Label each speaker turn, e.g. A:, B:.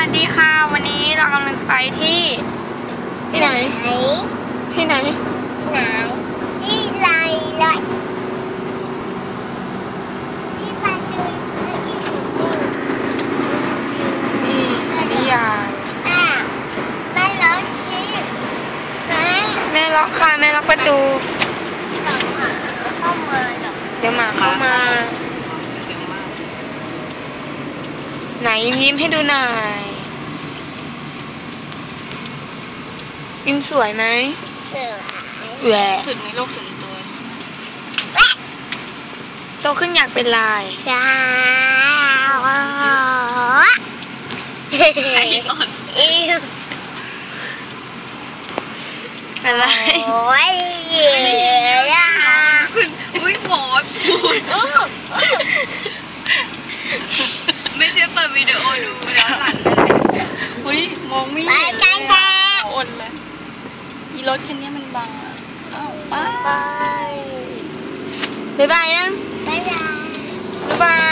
A: ดีค่ะวันนี้เรากำลังจะไปที่ไหนที่ไหน
B: ที่ไรเลยที่ไปดูที่สุด
A: นี่นิยาย
B: แม่ล็อกสิ
A: แม่ล็อกค่ะแม่ล็อกประตู
B: เข้ามา
A: เดี๋ยวหมาเข้ามาไหนยิ้มให้ดูหน่อยยิ้มสวยไหม
B: สวย
A: แหวะ
C: สุดในโลกส่วนตัวใช่ไหม
A: โตขึ้นอยากเป็นลายอะไร
B: โอ้ย
C: อุ้ยหมอพูดไม่เชื่อเปิดวิดีโอดูแล้วหลังอุ้ยมองไม่เห็นเลยอ่อนเลยอีรถคันนี้มันบังอ้าวไป
A: บ๊ายบายยัง
B: บ๊ายบาย
A: บ๊ายบาย